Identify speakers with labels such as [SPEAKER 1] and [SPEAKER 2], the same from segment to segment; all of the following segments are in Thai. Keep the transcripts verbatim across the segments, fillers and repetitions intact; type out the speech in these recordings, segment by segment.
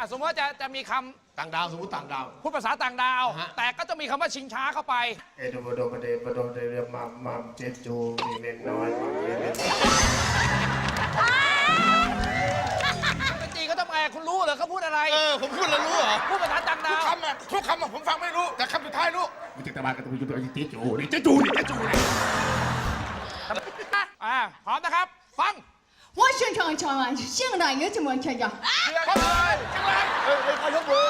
[SPEAKER 1] สมมติว่าจะจะมีคำ
[SPEAKER 2] ต่างดาวสมมติต่างดาว
[SPEAKER 1] พูดภาษาต่างดาว แต่ก็จะมีคำว่าชิงช้าเข้าไป
[SPEAKER 3] เอโดโดประเดประโดเดเรียมัมมัมเจจูมีเมนน้อยมัมเมน
[SPEAKER 1] ปกติก็ต้องแอบคุณรู้เหรอเขาพูดอะไร
[SPEAKER 2] เออผมพูดแล้วรู้เหรอ
[SPEAKER 1] พูดภาษาต่างดาว
[SPEAKER 2] คำอ่ะทุกคำอ่ะผมฟังไม่รู้แต่คำสุดท้ายรู้มีแต่ตะบานกับตะบูจุดเจจูนี่เจจูนี่เจจูนี่
[SPEAKER 1] อ่าพร้อมนะครับ ฟัง
[SPEAKER 4] 我宣传唱完，现在有怎么唱呀？
[SPEAKER 2] เชียงรายเชียงรายเฮ้ยเขายกมือ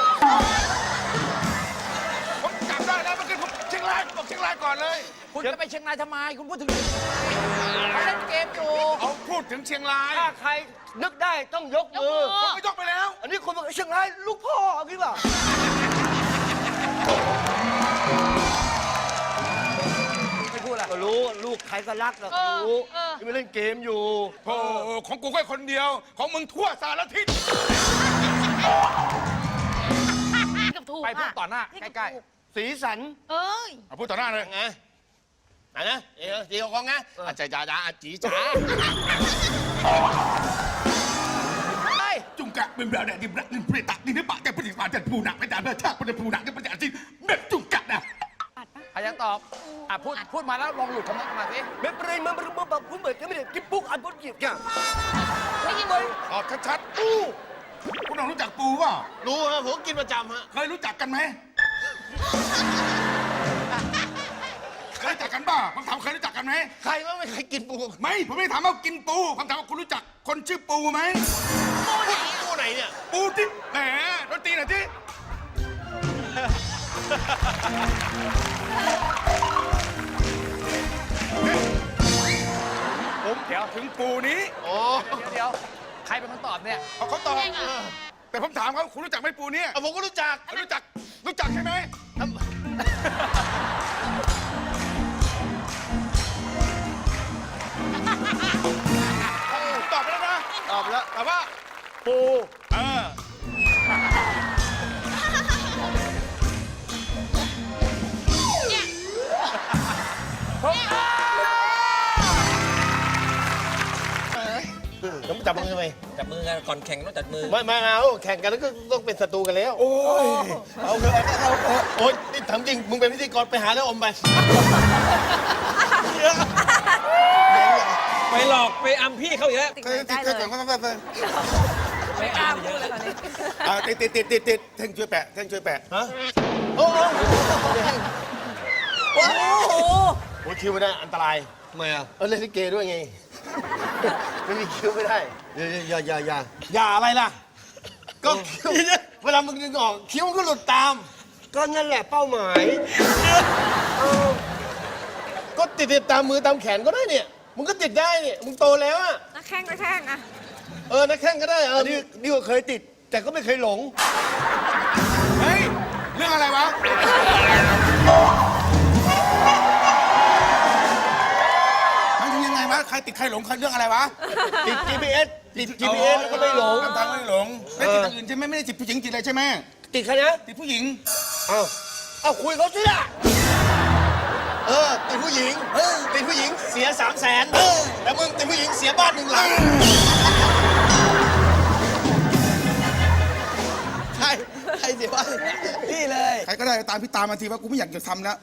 [SPEAKER 2] ผมจำได้แล้วเมื่อกี้ผมเชียงรายบอกเชียงรายก่อนเลย
[SPEAKER 1] คุณจะไปเชียงรายทำไม คุณพูดถึงเขาเล่นเกมอยู่
[SPEAKER 2] เขาพูดถึงเชียงราย
[SPEAKER 5] ถ้าใครนึกได้ต้องยกมือ
[SPEAKER 2] ผมก็ยกไปแล้ว
[SPEAKER 5] อันนี้คนบอกเชียงรายลูกพ่อเอางี้เปล่า
[SPEAKER 1] ไม่พูดละ
[SPEAKER 5] ก็รู้ลูกใครก็รักก็รู้ที่ไม่เล่นเกมอยู่
[SPEAKER 2] โอ้ของกูแค่คนเดียวของมึงทั่วสารทิศ
[SPEAKER 6] กับถูก
[SPEAKER 1] ไปพูดต่อหน้า
[SPEAKER 6] นี่กับ
[SPEAKER 1] ใกล้
[SPEAKER 6] ถูก
[SPEAKER 5] สีสัน
[SPEAKER 6] เอ้ย
[SPEAKER 2] เอาพูดต่อหน้าเลย
[SPEAKER 7] ไงไหนนะเอ๋จีของไงอาจารย์จ๋าจ๋าจีจ๋า
[SPEAKER 1] ๆไป
[SPEAKER 2] จุงกะเป็นแบบเนี่ยดิบรักดิบเปรตะดิบปะแกปฏิบัติจัดผู้หนักไปจ่ายเพื่อชาติเป็นผู้หนักเป็นประจันทร์แบบจุงกะนะ
[SPEAKER 1] ใครจะตอบอ่ะพูดพูดมาแล้วลองหลุดคำนั้นมาสิ
[SPEAKER 5] ไม่เป็นไรมันมันมันแบบคุณเหมือนกันไม่ได้กินปุ๊กอันปุ๊กหยิบอย่าง
[SPEAKER 6] ได้ยินไหม
[SPEAKER 2] ตอบชัดๆปูคุณน้องรู้จักปูป่ะ
[SPEAKER 7] รู้ฮะผมกินประจำฮะ
[SPEAKER 2] เคยรู้จักกันไหมเคยรู้จักกันป่ะผมถามเคยรู้จักกันไหม
[SPEAKER 7] ใครว่าไม่เคยกินปู
[SPEAKER 2] ไม่ผมไม่ถามว่ากินปูผมถามว่าคุณรู้จักคนชื่อปูไหม
[SPEAKER 7] ปูไหนเนี่ย
[SPEAKER 2] ปูที่แหมดนตรีหน่อยที่ผมเดี๋ยวถึงปูนี้
[SPEAKER 7] โอ้
[SPEAKER 1] เดี๋ยวเดี๋ยวใครเป็นคนตอบเนี่ย
[SPEAKER 2] เขาเขาตอบแต่ผมถามเขาคุณรู้จักไหมปูเนี่ย
[SPEAKER 7] เอาผมก็รู้จัก
[SPEAKER 2] รู้จักรู้จักใช่ไหมตอบไปแล้วนะ
[SPEAKER 5] ตอบแล้ว
[SPEAKER 2] แต่ว่า
[SPEAKER 5] ปู
[SPEAKER 2] เออ
[SPEAKER 7] ต้องจับมือทำไม
[SPEAKER 8] จับมือกันก่อนแข่งต้องจับมือ
[SPEAKER 7] ไม่ไม่เอาแข่งกันแล้วก็ต้องเป็นศัตรูกันแล้ว
[SPEAKER 2] โอ้ย
[SPEAKER 7] เอาเถอะเอาเถอะโอ๊ยนี่ถามจริงมึงเป็นพิธีกรไปหาแล้วอมไป
[SPEAKER 8] ไปหลอกไปอัมพี่เขาอีกแล้ว
[SPEAKER 2] เคยติดเคยก่อนก็ต้องไป
[SPEAKER 8] ไปอัมเยอะเลย
[SPEAKER 2] อ่าติดติดติดติดติดเท่งช่วยแปะเท่งช่วยแปะ
[SPEAKER 7] ฮะโอ้โห
[SPEAKER 6] โอ้โห
[SPEAKER 7] โอ้ยคิวไม่ได้อันตราย
[SPEAKER 5] ทำไมอ่ะ
[SPEAKER 7] เออเล่นลิเกด้วยไง ไม่มีคิวไม่ได้
[SPEAKER 5] อย่าอย่าอย่า
[SPEAKER 7] อย่าอะไรล่ะ ก็คิ้วเวลามึงดึงออกคิ้วมันก็หลุดตาม
[SPEAKER 5] ก็นั่นแหละเป้าหมาย
[SPEAKER 7] ก็ติดติดตามมือตามแขนก็ได้เนี่ย มึงก็ติดได้เนี่ย มึงโตแล้วอะ
[SPEAKER 6] นักแข่งนักแข่งอะ
[SPEAKER 7] เออ นักแข่งก็ได้ เออ
[SPEAKER 5] อันนี้นี่ก็เคยติด แต่ก็ไม่เคยหลง
[SPEAKER 2] เฮ้ยเรื่องอะไรวะมันคือยังไงวะใครติดใครหลงใครเรื่องอะไรวะ
[SPEAKER 5] ติด จี พี เอส ติด จี พี เอส แล้วก็ไม่หลง
[SPEAKER 2] ทางไม่หลงไม่ติดอย่างอื่นใช่ไหมไม่ได้ติดผู้หญิงติดอะไรใช่ไหม
[SPEAKER 5] ติดใครนะ
[SPEAKER 2] ติดผู้หญิง
[SPEAKER 5] เอ้าเอาคุยเขาสิล่ะ
[SPEAKER 7] เออ ติดผู้หญิง ติดผู้หญิงเสียสามแสนแต่มึงติดผู้หญิงเสียบ้านหนึ่งหลัง
[SPEAKER 5] ใช่ใช่สิวะนี่เลย
[SPEAKER 2] ใครก็ได้ตามพี่ตามมาทีว่ากูไม่อยากจะทำแล้ว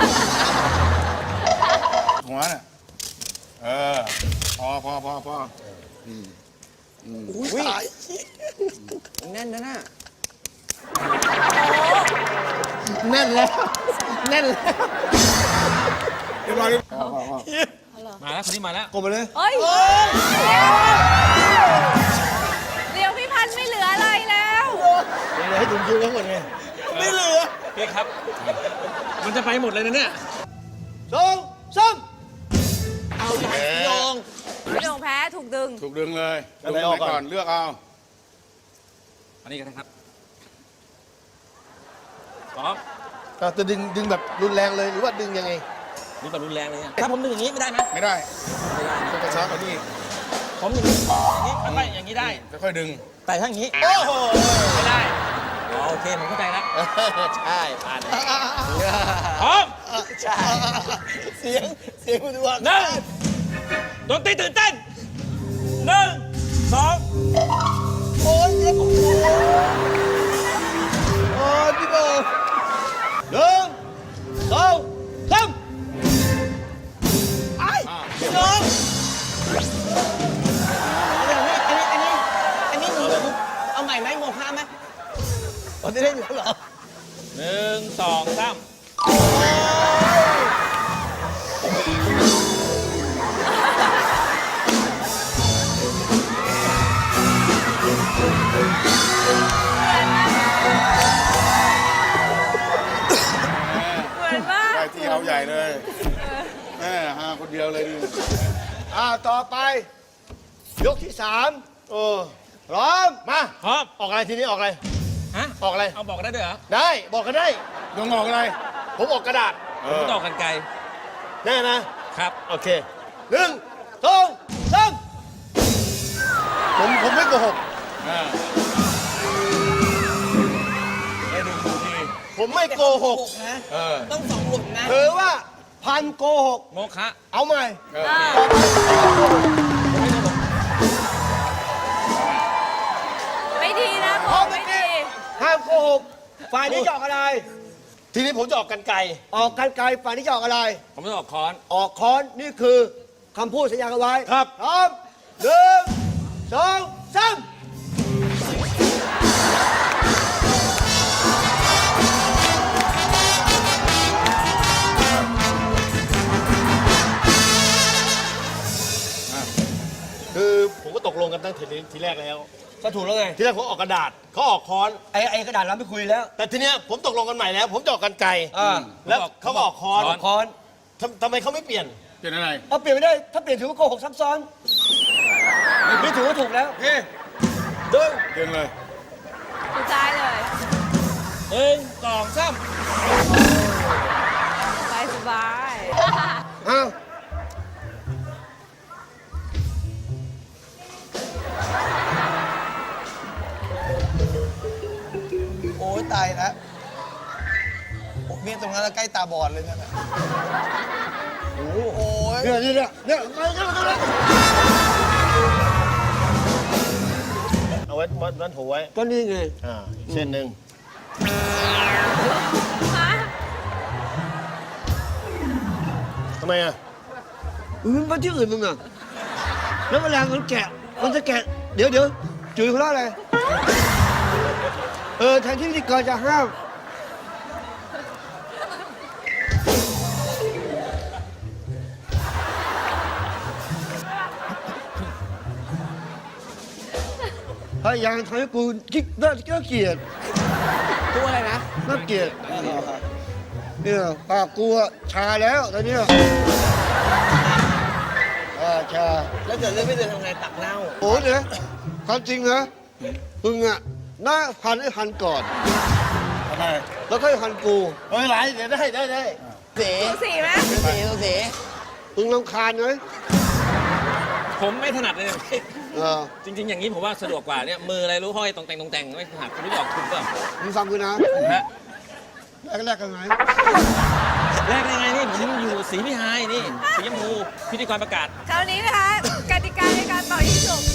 [SPEAKER 2] หัวน่ะเออพอพอพอพอ
[SPEAKER 5] อุ้ยตายแน่นนะน่ะ
[SPEAKER 7] แน่นแล้ว แน่นแล้ว
[SPEAKER 2] เรียบร้อยเลยพอพอพอ
[SPEAKER 8] มาแล้วคนนี้มาแล้ว
[SPEAKER 5] กดไปเลย
[SPEAKER 6] เฮ้ยเดี๋ยวพี่พันธุ์ไม่เหลืออะไรแล้ว
[SPEAKER 7] เดี๋ยวให้ถึงคิวเขาหมดไง
[SPEAKER 8] ไม่เหลือพี่ครับ มันจะไปหมดเลยนะเนี่ย
[SPEAKER 5] สองสาม
[SPEAKER 8] เอาใหญ่ยอง
[SPEAKER 6] พี่โด่งแพ้ถูกดึง
[SPEAKER 2] ถูกดึงเลย
[SPEAKER 5] อัน
[SPEAKER 2] ดึง
[SPEAKER 5] ไหนออก
[SPEAKER 2] ไป
[SPEAKER 5] ก่อน
[SPEAKER 2] ก่อนเลือกเอา
[SPEAKER 8] อันนี้กันนะครับพร้อม
[SPEAKER 7] เราจะดึงดึงแบบรุนแรงเลยหรือว่าดึงยังไง
[SPEAKER 8] นี่แบบรุนแรงเลยเนี่ยถ้าผมดึงอย่างนี้ไม่ได้นะ
[SPEAKER 2] ไม่ได้ต้องกระชับกว่านี้
[SPEAKER 8] ผมอย่างนี้อย่างนี้ค่อยๆอย่างนี้ได้
[SPEAKER 2] ค่อยๆดึง
[SPEAKER 8] แต่ถ้าอย่างนี้
[SPEAKER 7] โอ้โห
[SPEAKER 8] ไม่ได้อ๋อโอเคผมเข้าใจแล้ว
[SPEAKER 7] ใช่ผ่าน
[SPEAKER 8] พร้อม
[SPEAKER 7] ใช่ เสียง เสียงมันดูว่า
[SPEAKER 8] หนึ่งดนตรีตื่นเต้นหนึ่งสอง
[SPEAKER 7] โอ้ยเจ็บโอ้โห
[SPEAKER 1] ม่ไหมโมฆะไหม
[SPEAKER 7] วันนี้เล่นแล้วเหรอ
[SPEAKER 8] หนึ่งสองสาม
[SPEAKER 6] เหมือนมาก
[SPEAKER 5] ได้ที่เอาใหญ่เลยแม่ฮาคนเดียวเลยดิ
[SPEAKER 7] อ่าต่อไป ยกที่สามโอ้พร้อม มา
[SPEAKER 8] ครับ
[SPEAKER 7] ออกอะไรทีนี้ออกอะไร
[SPEAKER 8] ฮะ
[SPEAKER 7] ออกอะไร
[SPEAKER 8] เอาบอกได้ด้วยเหรอ
[SPEAKER 7] ได้ บอกกันได้
[SPEAKER 5] ดวงออกอะไร
[SPEAKER 7] ผมออกกระดาษ
[SPEAKER 5] เอ
[SPEAKER 8] ผม
[SPEAKER 5] อ
[SPEAKER 8] ตอกกันไกล
[SPEAKER 7] แน่นะ
[SPEAKER 8] ครับ
[SPEAKER 7] โอเคหนึ่งสองสามผมผมไม่โกหก
[SPEAKER 5] อ่าได้หนึ่งที
[SPEAKER 7] ผมไม่โกหก
[SPEAKER 1] นะ
[SPEAKER 5] เออ
[SPEAKER 1] ต้องสองหลุมนะ
[SPEAKER 7] ถือว่าพันโกหก
[SPEAKER 8] โมฆะ
[SPEAKER 7] เอาใหม่
[SPEAKER 5] เออ
[SPEAKER 6] ไม่ดีนะโม
[SPEAKER 7] เอา
[SPEAKER 6] ไม่
[SPEAKER 7] ไม่
[SPEAKER 6] ดี
[SPEAKER 7] ดีห้ามโกหกฝ่ายนี้จะออกอะไร ทีนี้ผมจะออกกันไกลออกกันไกลฝ่ายนี้จะออกอะไร
[SPEAKER 8] ผมจะออกค้อน
[SPEAKER 7] ออกค้อนนี่คือคำพูดสัญญากันไว้
[SPEAKER 5] ครับ
[SPEAKER 7] พร้อมหนึ่งสองสามคือผมก็ตกลงกันตั้งแต่ทีแรกแล้ว
[SPEAKER 1] ก็ถูกแล้วไง
[SPEAKER 7] ทีแรกผมออกกระดาษเขาออกค้อน
[SPEAKER 1] ไอ้ไอ้กระดาษเราไม่คุยแล้ว
[SPEAKER 7] แต่ทีเนี้ยผมตกลงกันใหม่แล้ว ผมจะออกกันไกล
[SPEAKER 1] อ่า
[SPEAKER 7] แล้วเขาก็ออกค้อน
[SPEAKER 8] ค้อน
[SPEAKER 1] ค้อน
[SPEAKER 7] ทำทำไมเขาไม่เปลี่ยน
[SPEAKER 5] เป็นอะไร
[SPEAKER 1] เอาเปลี่ยนไม่ได้ ถ้าเปลี่ยนถือว่าโกหกซับซ้อนนี่ถือว่าถูกแล้ว
[SPEAKER 5] เฮ้ย
[SPEAKER 1] เดิน
[SPEAKER 5] เดินเลย
[SPEAKER 6] สุดท้ายเลย
[SPEAKER 8] หนึ่งสองสาม
[SPEAKER 6] สบายสบาย
[SPEAKER 7] อ้าว
[SPEAKER 1] โอ้ยตายแล้วโอ้เมียตรงนั้นแล้วใกล้ตาบอดเลยนั่นน่ะโอ้โอ้ย
[SPEAKER 7] เนี่ยเนี่ยเนี่ยเนี่ยมาเนี่ยมาเนี่ยเอาไว้มัดมัดหัวไว้
[SPEAKER 1] ก็นี่ไง
[SPEAKER 7] อ่าเส้นหนึ่ง
[SPEAKER 6] ฮะ
[SPEAKER 7] ทำไมอ่ะ
[SPEAKER 1] อืมมันที่อื่นมึงอ่ะ แล้วเวลามันแกะ มันจะแกะ เดี๋ยวเดี๋ยวจุ๋ยเขาเล่าอะไร เออแทนที่พิธีกรจะห้าม พยายามทำให้กูคิดน่าเกลียดตัวอะไรนะ
[SPEAKER 7] น่าเกลียดเนี่ยปากกูอะชาแล้วตอนเนี้ยอ่าชา
[SPEAKER 1] แล้วเกิดเรื่องไม่เดินทำไงตักเน่า
[SPEAKER 7] โอ้เนี่ยความจริงนะมึงอะหน้าพันให้พันก่อน
[SPEAKER 5] ทำไม
[SPEAKER 7] แล้วค่อยพันกูเฮ้ยไรเดี๋ยวได้ได้ได้
[SPEAKER 1] เสี
[SPEAKER 6] สูสีไหม
[SPEAKER 1] เสีเสี
[SPEAKER 7] มึงรำคาญไหม
[SPEAKER 8] ผมไม่ถนัดเลย
[SPEAKER 7] เออ
[SPEAKER 8] จริง ๆ อย่างนี้ผมว่าสะดวกกว่าเนี่ยมืออะไรรู้ห้อยตรงแต่งตรงแต่งไม่ถนัดคุณรู้จักคุณเปล่า
[SPEAKER 7] มึงฟังกูนะ
[SPEAKER 8] ฮะ
[SPEAKER 7] แรกแรกกันไหม
[SPEAKER 8] แรกได้ไงนี่ผมอยู่สีพิหายนี่สีชมพูพิธีกรประกาศ
[SPEAKER 6] คราวนี้นะคะกติกาในการต่อยิงฉุบ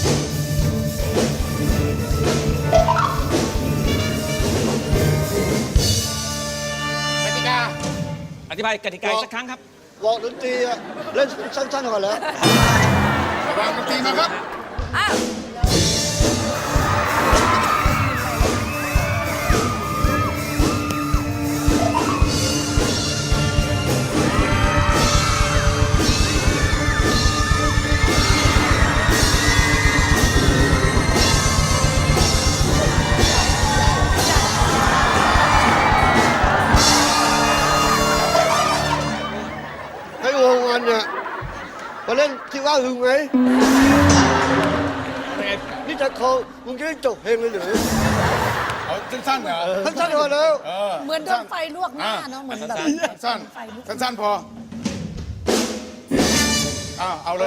[SPEAKER 2] กติกา
[SPEAKER 8] อธิบายกติกาอีกสักครั้งครับ
[SPEAKER 7] บอกดนตรีอะเล่นสั้นๆก่อนแล้ว
[SPEAKER 2] ระวังดนตรีมาครับ
[SPEAKER 6] อ้าว
[SPEAKER 7] ให้วงวันเนี่ยมาเล่นที่ว่าหึงไหมนี่จะเขามึงจะได้จบเพลงเลยหรือ
[SPEAKER 5] เอาสั้นๆเหรอ
[SPEAKER 7] สั้นๆก่อนแล้ว
[SPEAKER 5] เออ
[SPEAKER 9] เหมือนโดนไฟลวกหน้าเนาะเหมือนแบบ
[SPEAKER 5] สั้นๆสั้นๆพออ้าวเอาเลย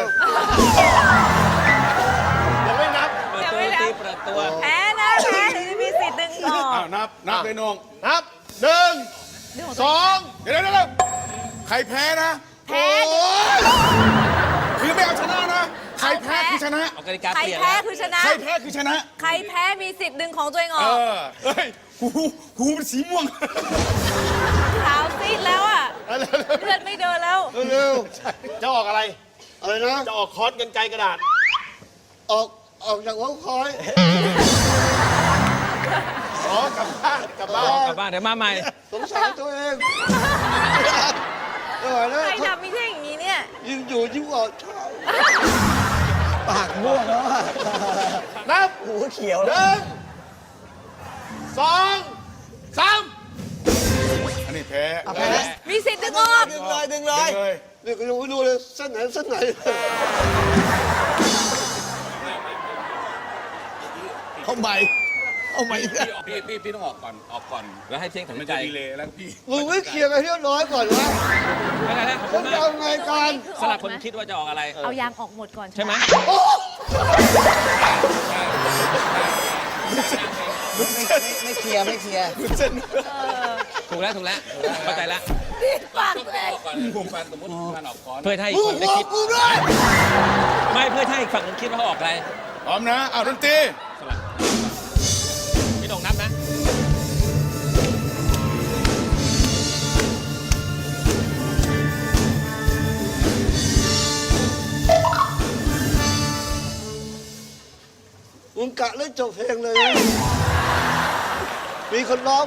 [SPEAKER 7] ยังไม่นับ
[SPEAKER 8] เปิด
[SPEAKER 6] ยัง
[SPEAKER 8] ตัว
[SPEAKER 6] ไม่
[SPEAKER 8] ตี
[SPEAKER 6] นับ
[SPEAKER 8] เปิดตัว
[SPEAKER 6] แพ้นะแพ้ถึงจะมีสิทธิ์ดึงออก
[SPEAKER 5] อ้าวนับนับเลยนง
[SPEAKER 7] นับหนึ่ง
[SPEAKER 5] สองเดี๋ยวเดี๋ยวเดี๋ยวใครแพ้นะ
[SPEAKER 6] แพ้
[SPEAKER 5] โอ้ยคือไม่เอาชนะนะ ใครแพ้คือชนะ
[SPEAKER 8] เอากติกา
[SPEAKER 6] ใคร
[SPEAKER 8] เปลี่ยน
[SPEAKER 6] แพ้
[SPEAKER 8] แล้ว
[SPEAKER 6] คือชนะ
[SPEAKER 5] ใครแพ้คือชนะ
[SPEAKER 6] ใครแพ้มีสิทธิ์ดึงของตัวเองอ
[SPEAKER 5] เอ
[SPEAKER 6] อก
[SPEAKER 5] อ เฮ้ย หูหูเป็นสีม่วง
[SPEAKER 6] ขาวซีดแล้วอ่ะเลือดไม่เดินแล้ว
[SPEAKER 7] เร็วๆจะออกอะไร อะไรนะ จะออกคอร์สกันไกลกระดาษ ออก ออกจากหัวคอย
[SPEAKER 8] กลับบ้านเดี๋ยวมาใหม่
[SPEAKER 5] สงสารตัวเองไม่ไหวแล้ว
[SPEAKER 6] ใครทำไม่ใช่อย่างนี้เนี่ย
[SPEAKER 5] ยิ่งอยู่ยิ่งออกเช้า
[SPEAKER 1] ปากม่วงแล้วอะ
[SPEAKER 5] นับ
[SPEAKER 1] หูเขียว
[SPEAKER 5] ห
[SPEAKER 1] แล้ว
[SPEAKER 5] นึ่งสองสาม
[SPEAKER 2] อันนี้แพ้
[SPEAKER 1] เอาแพ้
[SPEAKER 6] มีสิทธิ์ดึงออก
[SPEAKER 1] ดึงเลยดึงเลย
[SPEAKER 2] เลย
[SPEAKER 5] นี่ก็ยังไม่รู้เลยเส้นไหนเส้นไหน
[SPEAKER 1] เอาใหม่เอาใหม่อีกแล้ว
[SPEAKER 2] พี่พี่พี่ต้องออกก่อนออกก่อน
[SPEAKER 8] แล้วให้เที่ยงถึง
[SPEAKER 2] มัน
[SPEAKER 8] ใจ
[SPEAKER 2] จะดีเลยแล้วพี่
[SPEAKER 5] มึงไม่เคลียร์กันเรียบร้อยก่อนวะ
[SPEAKER 8] ไม่เป็นไรแล้วขอบ
[SPEAKER 5] ฉั
[SPEAKER 8] คุ
[SPEAKER 5] น
[SPEAKER 8] ณ
[SPEAKER 5] จะ
[SPEAKER 8] มาก
[SPEAKER 5] เอาไงกัน
[SPEAKER 8] สำหรับคนคิดว่าจะออกอะไร
[SPEAKER 6] เอายางออกหมดก่อน
[SPEAKER 8] ใช่ไหม
[SPEAKER 1] ไม่เคลียร์ไม่เคลียร์
[SPEAKER 8] ถูกแล้วถูกแล้วเข้าใจแล้ว
[SPEAKER 6] ปากแตก
[SPEAKER 2] ก่อนผมฟันสมมติฟันออกก่อน
[SPEAKER 8] เพื่อให้อี
[SPEAKER 5] มึ
[SPEAKER 8] ก
[SPEAKER 5] ง
[SPEAKER 8] ฝั่งได้
[SPEAKER 5] บอ
[SPEAKER 8] คิ
[SPEAKER 5] ก
[SPEAKER 8] ด
[SPEAKER 5] กูด้วย
[SPEAKER 8] ไม่เพื่อให้อีกฝั่งหนึงคิดว่าเขาออกอะไร
[SPEAKER 2] พร้อมนะเอาดนตรี
[SPEAKER 8] สลับพี่โด่งนับนะ
[SPEAKER 5] มึงกะเล่นจบเพลงเลยนะมีคนร้อง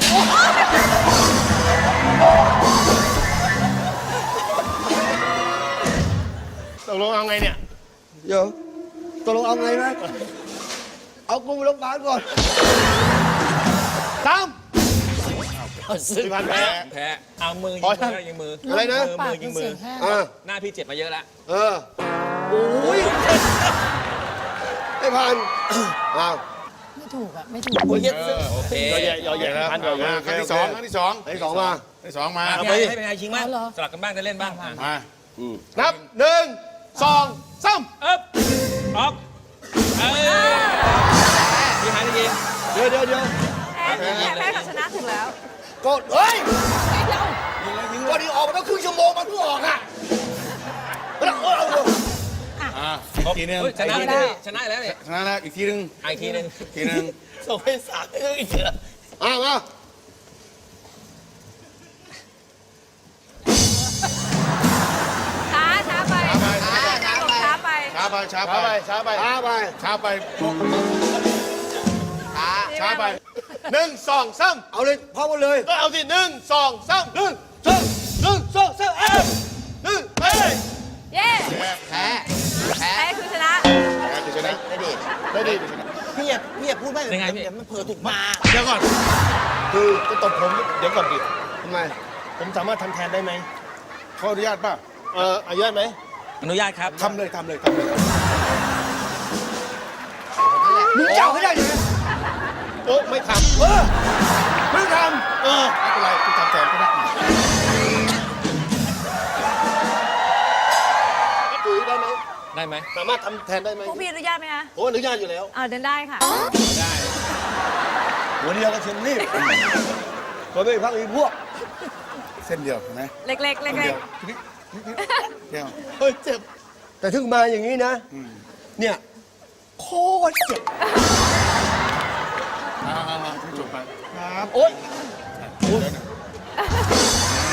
[SPEAKER 5] ตกลงเอาไงเนี่ย เดี๋ยวตกลงเอาไงนะเอากูไปโรงพยาบาลก่อนตามสิพันแพ้
[SPEAKER 8] แพ้เอามือยิง
[SPEAKER 5] พอ
[SPEAKER 8] มื
[SPEAKER 5] ยัง
[SPEAKER 8] อยิงมือ
[SPEAKER 5] อะไรนะ
[SPEAKER 8] มือ
[SPEAKER 9] ปาก
[SPEAKER 8] มือยิ
[SPEAKER 9] เป็น
[SPEAKER 8] งมื
[SPEAKER 9] เสี
[SPEAKER 8] อย
[SPEAKER 9] งแห้ง
[SPEAKER 5] อ่า
[SPEAKER 8] หน้าพี่เจ็บมาเยอะแล้ว
[SPEAKER 5] เออโอ้ยไม่พันอ้าว
[SPEAKER 9] ไม่ถูกอ่ะ ไม่ถูก
[SPEAKER 5] โอ้ย
[SPEAKER 8] โอเค
[SPEAKER 5] ยอแย่ยอแย่พันยอแย่
[SPEAKER 2] ครั้งที่สองครั้งที่สอง
[SPEAKER 5] ครั้งที่สองมา
[SPEAKER 2] ครั้งที่สองมา
[SPEAKER 8] อ่ะ
[SPEAKER 2] เอา
[SPEAKER 8] พี่
[SPEAKER 2] ไป
[SPEAKER 8] ไอ้ให้เป็นไงชิงบ้าง
[SPEAKER 9] เอาเหรอ
[SPEAKER 8] สลับกันบ้างได้เล่นบ้างอ่ะ
[SPEAKER 2] มา
[SPEAKER 5] นับหนึ่งสองสาม
[SPEAKER 8] เอ๊บออกเอ้ยพี่หายได้ยิน
[SPEAKER 5] เดี๋ยวเดี๋ยวเดี๋ยว
[SPEAKER 6] แพ้แพ้แพ้กับชนะถูกแล้ว
[SPEAKER 5] กดเฮ้ยก็ดีออกมาตั้งครึ่งชั่วโมงมันเพิ่งออกอ่ะแล้วเออเอา
[SPEAKER 2] อ่าอีกทีหนึง
[SPEAKER 8] เฮ้ยชนะ
[SPEAKER 2] อีก
[SPEAKER 8] แล้
[SPEAKER 2] ที
[SPEAKER 8] วชนะแล้วเนี่ย
[SPEAKER 2] ชนะแล้วอีกทีหนึง
[SPEAKER 8] อ่ะอีกทีหนึง
[SPEAKER 2] อีกทีหนึง
[SPEAKER 1] ส่งให้สามเอ้ยเถอะ
[SPEAKER 5] อ้าวมา
[SPEAKER 6] ช้าช้าไปช้าไปช้าไป
[SPEAKER 2] ช้าไปช้าไป
[SPEAKER 5] ช้าไปช้าไปช้าไป
[SPEAKER 2] ช้าไปช้าไป
[SPEAKER 5] หนึ่งสองสามเอาเลยพร้อมกันเลยก็เอาสิหนึ่งสองสามหนึ่งสองหนึ่งสองสามเอ้ยหนึ่งเอ้ย
[SPEAKER 6] เย้
[SPEAKER 1] แพ้แพ้
[SPEAKER 6] แพ้คือชนะ
[SPEAKER 2] แพ้คือชนะ
[SPEAKER 1] ได้ดิ
[SPEAKER 5] ได้ดิ
[SPEAKER 1] พี่อย่าพี่อย่าพูดไม่
[SPEAKER 8] ยังไงพี่
[SPEAKER 1] เดี๋ยวมันเผลอถูกมา
[SPEAKER 5] เดี๋ยวก่อนคือจะตบผมเดี๋ยวก่อนดิทำไมผมสามารถทำแทนได้ไหม
[SPEAKER 2] ขออนุญาตป่ะ
[SPEAKER 5] เอออนุญาตไหม
[SPEAKER 8] อนุญาตครับ
[SPEAKER 2] ทำเลยทำเลยทำเลย
[SPEAKER 5] มึงเจ้าไม่ได้ยังไงโอ้ไม่ทำเออไม่ทำเออ
[SPEAKER 2] ไม่เป็นไรคุณทำแทนก็ได้
[SPEAKER 5] ปุ๋ยได้ไหม
[SPEAKER 8] ได้ไหม
[SPEAKER 5] สามารถทำแทนได้ไหม
[SPEAKER 6] พวกพี่อนุญาตไหมคะ
[SPEAKER 5] โอ้อนุญาตอยู่แล้ว
[SPEAKER 6] อ่าเดินได้ค่ะ
[SPEAKER 8] ได้
[SPEAKER 5] หัวเดียวก็เชียงรีบตัวไม่พักอีกพวก
[SPEAKER 2] เส้นเดียวเห็นไหม
[SPEAKER 6] เล็กๆเล็ก
[SPEAKER 2] เส้น
[SPEAKER 6] ๆ
[SPEAKER 2] เดียวนิดนิดนิดเดียว
[SPEAKER 5] เฮ้ยเจ็บ แต่ถึงมาอย่างนี้นะ
[SPEAKER 2] อืม
[SPEAKER 5] เนี่ยโคตรเจ็บ
[SPEAKER 2] อ่าๆๆจบไปครับ
[SPEAKER 5] โอ๊ย
[SPEAKER 2] เดี๋ยวนะ